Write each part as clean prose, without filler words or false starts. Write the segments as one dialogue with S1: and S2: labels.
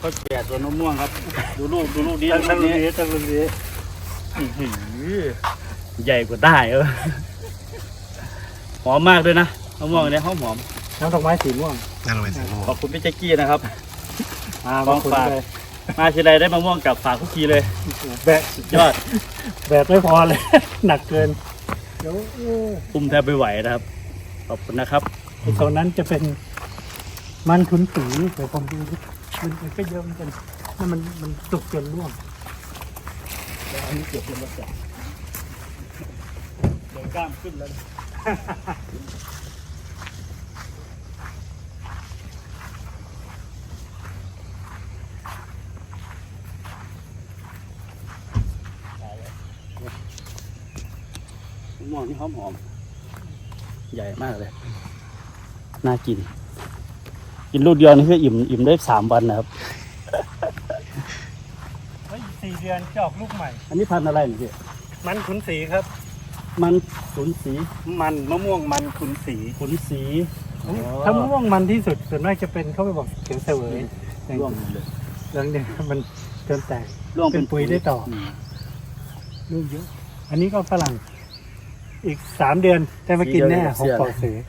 S1: เขาแก่สวนมะม่วงครับดูลูกดี
S2: ตั้งรุ่นนี้
S1: ใหญ่กว่าได้หอมมากด้วยนะมะม่วงเนี่ยหอม
S2: น้ำดอกไม้สีม่วง
S1: ขอบคุณพี่แจ็กกี้นะครับ
S2: ของฝาก
S1: มาทีไรได้มะม่วงกับฝากทุกทีเลยยอด
S2: แบบไม่พอเลยหนักเกินเดี๋ยว
S1: คุมแทบไม่ไหวนะครับขอบคุณนะครับ
S2: ตอนนั้นจะเป็นมันขุนศรีแต่ผมดูมันก็เยอะเหมือนกันนั่นมันสุกจนร่วง
S1: แล้วอันนี้เก็บเป็นรถจักรเดี๋ยวกล้ามขึ้นแล้วม่วงที่หอมใหญ่มากเลยน่ากินลูกเดียวนี่คืออิ่มได้3 วันนะครับ
S2: 4 เดือนจะออกลูกใหม่
S1: อันนี้พันธุ์อะไรนี่พี่
S2: มันขุนศรีครับ
S1: มันขุนศรี
S2: มันมะม่วงมันขุนศรีถ้ามะม่วงมันที่สุดส่วนมากจะเป็นเขาไปบอกเขียวเสวย
S1: ร่วงเลย
S2: แล้วเนี่ยมันเกินแตก
S1: ร่วง
S2: เป็นปุ๋ยได้ต่อลูกเยอะอันนี้ก็ฝรั่งอีก3 เดือนได้มากินแน่ของปอเสือ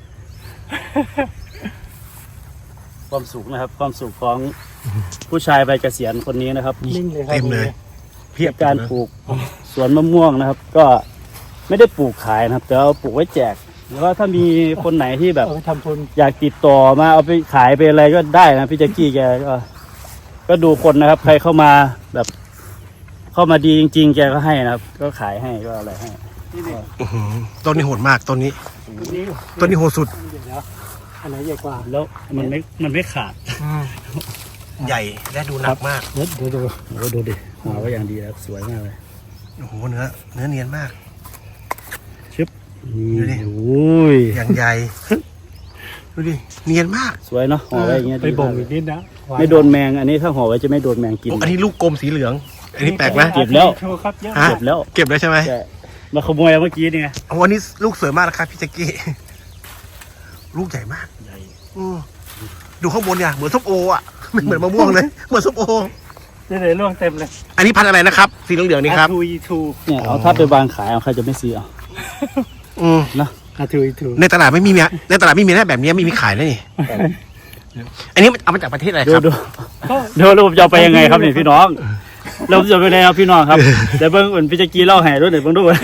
S1: ความสุขนะครับความสุขของผู้ชายใบเกษียณคนนี้นะครับ
S2: เต็มเลย
S1: เพียบการปลูกสวนมะม่วงนะครับก็ไม่ได้ปลูกขายนะครับแต่เอาปลูกไว้แจกหรือว่าถ้ามีคนไหนที่แบบอยากติดต่อมาเอาไปขายไปอะไรก็ได้นะพี่แจ็กกี้แกก็ดูคนนะครับใครเข้ามาแบบเข้ามาดีจริงๆแกก็ให้นะครับก็ขายให้ก็อะไรให้
S3: ต้นนี้โหดมากต้นนี้โหดสุด
S2: อันไหนใหญ่กว่า
S1: แล้วมันไม่ขาด
S3: ใหญ่และดูหนักมาก
S1: ดูดิหัวก็อย่างดีแล้วสวยมากเลย
S3: โอ้โหเนื้อเนียนมาก
S1: ชึบ
S3: ดูดิ
S1: โอ้ย
S3: อย่างใหญ่ดูดิเนียนมาก
S1: สวยเนาะห่อไว้อย่างเงี้ย
S2: ไปบ่งอีกนิดนะ
S1: ไม่โดนแมงอันนี้ถ้าห่อไว้จะไม่โดนแมงกิน
S3: อันนี้ลูกกลมสีเหลืองอันนี้แปลกไหม
S1: เก็บแล้ว
S3: เก็บแล้วใช่ไหม
S1: มาขโมยเมื่อกี้นี่ไง
S3: วันนี้ลูกสวยมากนะครับพี่แจ็กกี้ลูกใหญ่มากดูข้างบนเนี่ยเหมือนส้มโออ่ะไม่เหมือนมะม่วงเลยเหมือนส้มโอ
S2: นี่เลยร่วงเต็มเลย
S3: อันนี้พันธุ์อะไรนะครับสีเหลืองๆนี่ครับ
S2: ทู
S1: เนี่ยเอาถ้าไปวางขายเอาใครจะไม่ซื้อ
S2: นะทู
S3: ในตลาดไม่มีในตลาดไม่มีนะแบบนี้ไม่มีขายนะนี่อันนี้เอามาจากประเทศอะไรครับ
S1: ดูผมจะเอาไปยังไงครับเนี่ยพี่น้องเราจะไปไหนครับพี่น้องครับเดี๋ยวเบิ้งเหมือนพี่แจ็กกี้เล่าให้ด้วยเดี๋ยวเบิ้งด้วย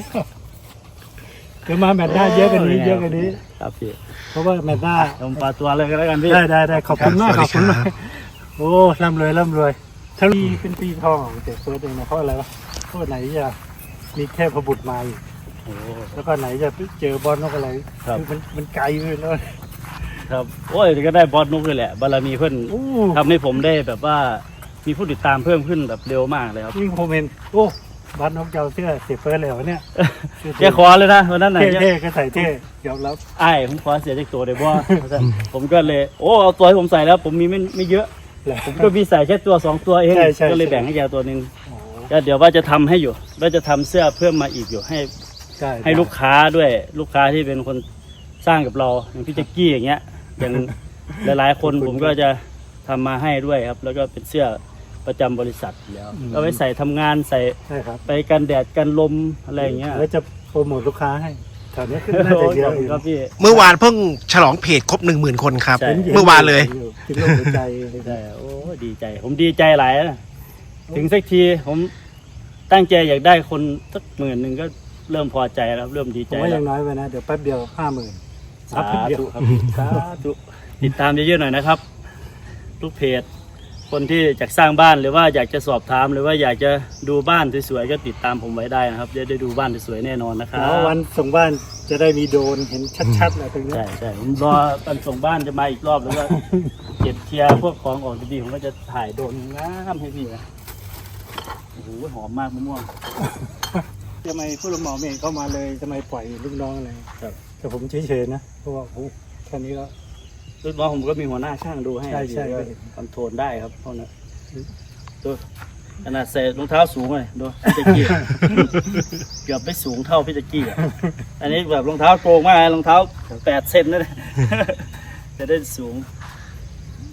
S2: เดี๋ยวมาแมทได้เยอะกันนี้
S1: ครับพี่
S2: เพราะว่าแมทได้
S1: ลงปลาตัวเลยก็แล้วกันพี่
S2: ได้ขอบคุณมากโอ้ร่ำรวยถ้ามีเป็นปีทองของเจ๊เฟิร์สเองนะเพราะอะไรวะเพราะไหนจะมีแค่พบุตรมาอยู่แล้วก็ไหนจะเจอบอลนกอะไรมันไกลเลย
S1: ครับโอ้ยก็ได้บอลนกเลยแหละบารมีเพื่อนทำให้ผมได้แบบว่ามีผู้ติดตามเพิ่มขึ้นแบบเร็วมากเลยครับ
S2: ยิ่งผมเห็นโอ้บอลนกเจ้าเสื้อเสียเฟิร์สเลยเนี่ย
S1: แกขอเลยนะวันนั้นไหน
S2: เท่ก็ใส่เท่ยอมรับ
S1: ผมขอเสียจากตัวเลยเพราะผมก็เลยเอาตัวที่ผมใส่แล้วผมมีไม่เยอะผมก็มีใส่แค่ตัว2 ตัวเองก็เลยแบ่งให้แกตัวนึงก็เดี๋ยวว่าจะทำให้อยู่ว่าจะทำเสื้อเพิ่มมาอีกอยู่ให้ลูกค้าด้วยลูกค้าที่เป็นคนสร้างกับเราอย่างพี่แจ็กกี้อย่างเงี้ยอย่างหลายๆคนผมก็จะทำมาให้ด้วยครับแล้วก็เป็นเสื้อประจำบริษัทแล้วก็ไว้ใส่ทำงานใส่ไปกันแดดกันลมอะไรอย่างเงี้ย
S2: แล้วจะโปรโมทลูกค้าให้แถวนี้ขึ้นน่าจะเยอะ
S1: ครับพี่
S3: เมื่อวานเพิ่งฉลองเพจครบ 10,000 คนครับเมื่อวานเลย
S2: ถึงลมใจ
S1: โอ้ดีใจผมดีใจหลายนะถึงสักทีผมตั้งใจอยากได้คนสัก10,000ก็เริ่มพอใจแล้วเริ่มดีใจ
S2: ว่ายังน้อยไปนะเดี๋ยวแป๊บเดียว 50,000
S1: สาธุครับสาธุติดตามเยอะๆหน่อยนะครับทุกเพจคนที่อยากสร้างบ้านหรือว่าอยากจะสอบถามหรือว่าอยากจะดูบ้านสวยๆก็ติดตามผมไว้ได้นะครับจะได้ดูบ้านสวยๆแน่นอนนะครับ
S2: แล้ววันส่งบ้านจะได้มีโดรนเห็นชัดๆเลยตรงนี้
S1: ใช่ผมรอวันส่งบ้านจะมาอีกรอบแล้วก็เก็บเคลียร์พวกของออกดีๆผมก็จะถ่ายโดรนงามให้พี่นะโอ้โหหอมมากมะม่วง
S2: ทำไมผู้รับเหมาเองเข้ามาเลยทำไมปล่อยลูกน้องอะไรแต่ผมเฉยๆนะเพราะว่าแค่นี้ก็
S1: ลูกน้องผมก็มีหัวหน้าช่างดูให้
S2: ใช่
S1: คอนโทรลได้ครับเพราะนั้นดูขนาดใส่รองเท้าสูงเลยดูพี่แจ็กกี้เกือบไม่สูงเท่าพี่แจ็กกี้อันนี้แบบรองเท้าโกงมากรองเท้า8 เซนนั่นจะได้สูง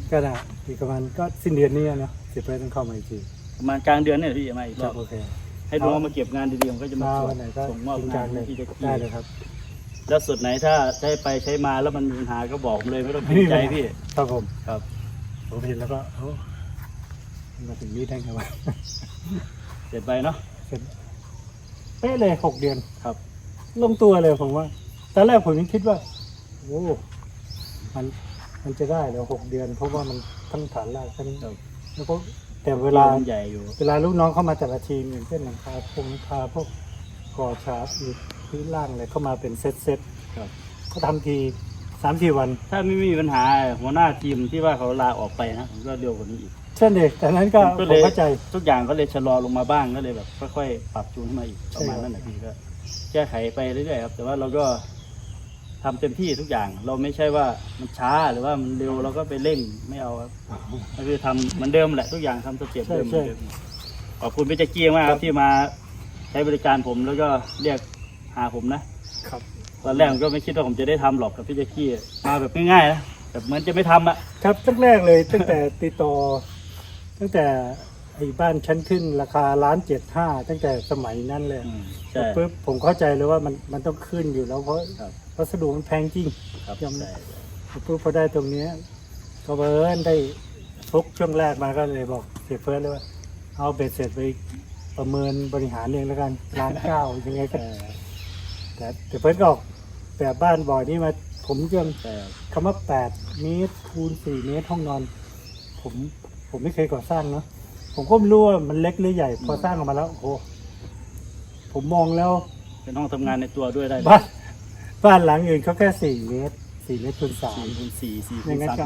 S2: ก็ได้อีกประมาณก็สิ้นเดือนนี้เนาะเสียเพื่อนต้องเข้ามาอีกที
S1: ประมาณกลางเดือนเนี่ยพี่มาอีกร
S2: ครั
S1: อ
S2: บบ โอเค
S1: ให้น้องมาเก็บงานดีๆผมก็จะมา
S2: วันไหนก็
S1: ส่งมอบ
S2: จริง
S1: งา
S2: จั
S1: น
S2: งเลย
S1: ที่จะ
S2: ได้เลยครับ
S1: แล้วสุดไหนถ้าใช้ไปใช้มาแล้วมันมีปัญหาก็บอกผมเลยไม่ต้องเกรงใจพี่
S2: ครับผม
S1: ครับ
S2: ผมเห็นแล้วก็มาถึงนี่ได้ไงวะ
S1: เสร็จไปเนาะ
S2: เสร็จเป๊ะเลย6 เดือน
S1: ครับ
S2: ลงตัวเลยผมว่าตอนแรกผมยังคิดว่าโอ้มันจะได้แล้ว6 เดือน เพราะว่ามันทั้งฐานรากทั้งแล้วก็แต่เวลา
S1: ใหญ่อยู่
S2: เวลาลูกน้องเข้ามาแต่ละทีมอย่างเช่นหลังคาพวกก่อฉาบอีกพื้นล่างอะไรเข้ามาเป็นเซต
S1: ครับ
S2: ก็ทำที3-4 วัน
S1: ถ้าไม่มีปัญหาหัวหน้าทีมที่ว่าเขาลาออกไปนะผมก็เร็วกว่านี้อีก
S2: เช่นเด็กแต่นั้นก็
S1: ผมก็
S2: ผ
S1: เลย
S2: มเข้าใจ
S1: ทุกอย่างก็เลยชะลอลงมาบ้างก็เลยแบบค่อยๆปรับจูนขึ้นมาอีกประมาณนั้นแหละพี่ก็แก้ไขไปเรื่อยๆครับแต่ว่าเราก็ทำเต็มที่ทุกอย่างเราไม่ใช่ว่ามันช้าหรือว่ามันเร็วเราก็ไปเร่งไม่เอาครับก็คือทำเหมือนเดิมแหละทุกอย่างทำสเต็ปเดิมเหมือนเดิมขอบคุณพี่แจ็คกี้มากครับที่มาใช้บริการผมแล้วก็เรียกหาผมนะครับ ตอนแรกผมก็ไม่คิดว่าผมจะได้ทำหรอกกับพี่แจ็คกี้มาแบบง่ายๆนะแบบเหมือนจะไม่ทำอ่ะ
S2: ครับตั้งแรกเลยตั้งแต่ติดต่อตั้งแต่ไอ้บ้านชั้นขึ้นราคา1,750,000ตั้งแต่สมัยนั้นเลย
S1: ใช่
S2: ปุ๊บผมเข้าใจเลยว่ามันต้องขึ้นอยู่แล้วเพราะ
S1: ครับ
S2: วัสดุมันแพงจริง
S1: ครับ
S2: ยอม
S1: ใช่
S2: ปุ๊บพอได้ตรงเนี้ยก็เบิร์นได้ฟุกช่วงแรกมาก็เลยบอกเสียเฟิร์สเลยว่าเอาเบ็ดเสร็จไปประเมินบริหารเองแล้วกัน1,900,000ยังไงก็แต่เฟิร์สก็ออกแบบบ้านบ่อยนี่มาผมยัง
S1: ใช่
S2: คำว่า8 เมตรคูณ4 เมตรห้องนอน ผมไม่เคยก่อสร้างเนาะผมก็ไม่รู้ว่ามันเล็กหรือใหญ่พอสร้างออกมาแล้วโอ้โหผมมองแล้ว
S1: เป็นห้องทำงานในตัวด้วยได้เลย
S2: บ้านหลังอื่นเขาแค่4 เมตร4 เมตรคูณ
S1: 4 คูณ 4 4
S2: 3
S1: คู
S2: อย่า
S1: ณ
S2: งนั้นก็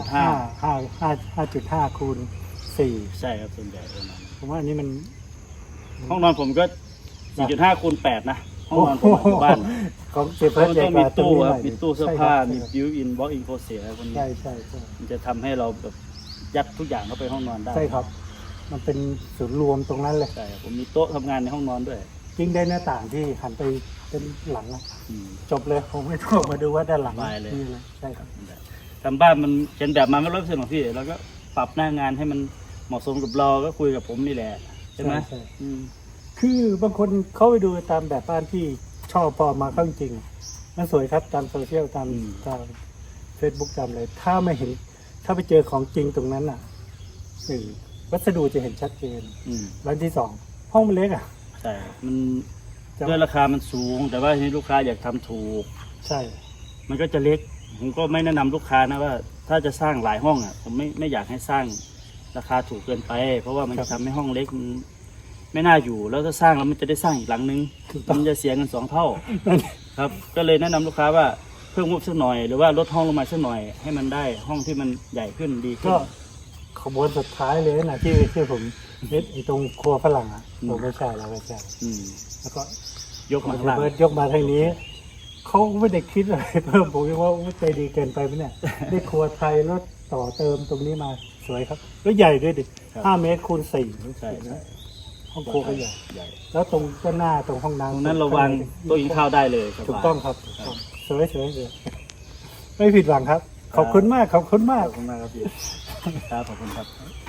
S2: 5.5 คูณ
S1: ใช่ครับส่วนใหญ่ประมาณนั้น
S2: 4ผมว่าอันนี้มัน
S1: ห้องนอนผมก็ 4.5 คูณ 8 นะ ห้องนอนผมอยู่บ้าน
S2: ของเจ
S1: เพ
S2: เฟิ
S1: ราะ
S2: ร์ส
S1: มัน
S2: ใหญ่
S1: ต้อง
S2: ก
S1: มี
S2: ว่าตรง
S1: ตู้
S2: นี้
S1: ค
S2: ห
S1: รับ
S2: น่อย
S1: มีตู้เสื้อผ้า
S2: ใช่
S1: มี
S2: ครับ
S1: บิวอินบล็อกอินโคเสียพวกนี้
S2: ใช่
S1: มันจะทำให้เราแบบยัดทุกอย่างเข้าไปห้องนอนได้
S2: ใช่ครับ มันเป็นศูนย์รวมตรงนั้นเลย
S1: ใช่ครับผมมีโต๊ะทำงานในห้องนอนด้วย
S2: ยิ่งได้หน้าต่างที่หันไปเป็นหลังอะ
S1: อืม
S2: จบเลยผมไม่ต้องออกมาดูว่าด้านหลัง
S1: สบายเลย
S2: นี่เลยใช่ครับ
S1: ทำบ้านมันเป็นแบบมาไม่100%หรอกพี่เราก็ปรับหน้างานให้มันเหมาะสมกับเราก็คุยกับผมนี่แหละใช่ไหม
S2: ใช่
S1: อืม
S2: คือบางคนเขาไปดูตามแบบบ้านที่ชอบพอมาเข้าจริงๆมันสวยครับตามโซเชียลตามเฟซบุ๊กตามอะไรถ้าไม่เห็น ถ้าไปเจอของจริงตรงนั้นอ่ะวัสดุจะเห็นชัดเจน
S1: อืม
S2: ร้านที่สองห้องมันเล็กอ่ะ
S1: ใช่มัน
S2: จะ
S1: ด้วยราคามันสูง แต่ว่าทีนี้ลูกค้าอยากทำถูก
S2: ใช่
S1: มันก็จะเล็ก ผมก็ไม่แนะนำลูกค้านะว่า ถ้าจะสร้างหลายห้องอ่ะ ผมไม่อยากให้สร้างราคาถูกเกินไป เพราะว่ามันจะทำให้ห้องเล็กมันไม่น่าอยู่ แล้วถ้าสร้างแล้วมันจะได้สร้างอีกหลังนึง มันจะเสียเงิน2 เท่า ครับ ก็เลยแนะนำลูกค้าว่าเพิ่มงบสักหน่อย หรือว่าลดห้องลงมาสักหน่อย ให้มันได้ห้องที่มันใหญ่ขึ้นดีขึ้น
S2: ก็ขบวนสุดท้ายเลยนะที่ผมเน็ตไอ้ตรงครัวฝรั่งอ่ะ
S1: อืม
S2: ผมไม่ใช่แล้วไม่ใช่
S1: อืม
S2: แล้วก็
S1: ยกมาข้างล่าง
S2: เบิร์ดยกมาทางนี้เขาไม่ได้คิดอะไรเพิ่มผมยังว่าใจดีเกินไปไหมเนี่ยได้ครัวไทยแล้วต่อเติมตรงนี้มาสวยครับแล้วใหญ่ด้วยดิ
S1: ครับ
S2: 5 เมตรคูณ 4
S1: ใช่ใช่
S2: ห้องครัวก็ใหญ่
S1: ใหญ่
S2: แล้วตรงด้านหน้าตรงห้อง
S1: ตรง
S2: น้ำ
S1: นั้นเราวางโต๊ะกินข้าวได้เลยสบาย
S2: ถูกต้องครับสวยไม่ผิดหวังครับ ขอบคุณมากขอบคุณมาก
S1: ขอบคุณมากครับพี่ครับขอบคุณครับ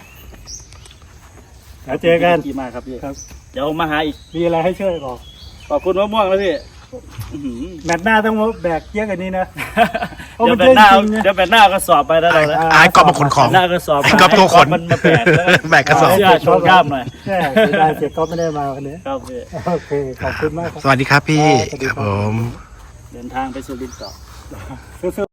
S2: แล้วเจอกัน
S1: ดีมากครับพี่
S2: ครับ
S1: เดี๋ยวมาหาอีก
S2: มีอะไรให้ช่วยบอก
S1: ขอบคุณมะม่วงแล้วพี่อื้อหือ
S2: แมตช์หน้าต้องมาแบกเยอะกว่านี้นะ เพราะ
S1: เดี๋
S2: มั
S1: ยวน แบ
S2: เยอะ
S1: บหน้า
S2: จริงนะ
S1: เดี๋ยวแบบหน้าก็สอบไปแล้วเราแล้ว
S3: อายกอบมาขนของ
S1: หน้าก็สอบ
S3: ก๊อฟตัวขน
S1: มันมาแบกแล้ว
S3: แบกกระสอบ
S1: เสื้อโชว์กล้ามหน่อย
S2: ใช่เสียดายเสียก๊อฟไม่ได้มาวันนี้
S1: ครับพี่
S2: โอเคขอบคุณมากครับ
S3: สวัสดีครับพี่
S2: สวัสดี
S3: ค
S2: ครั
S3: รับ บผม
S1: เดินทางไปสุรินทร์ต่อ
S2: สู้ๆ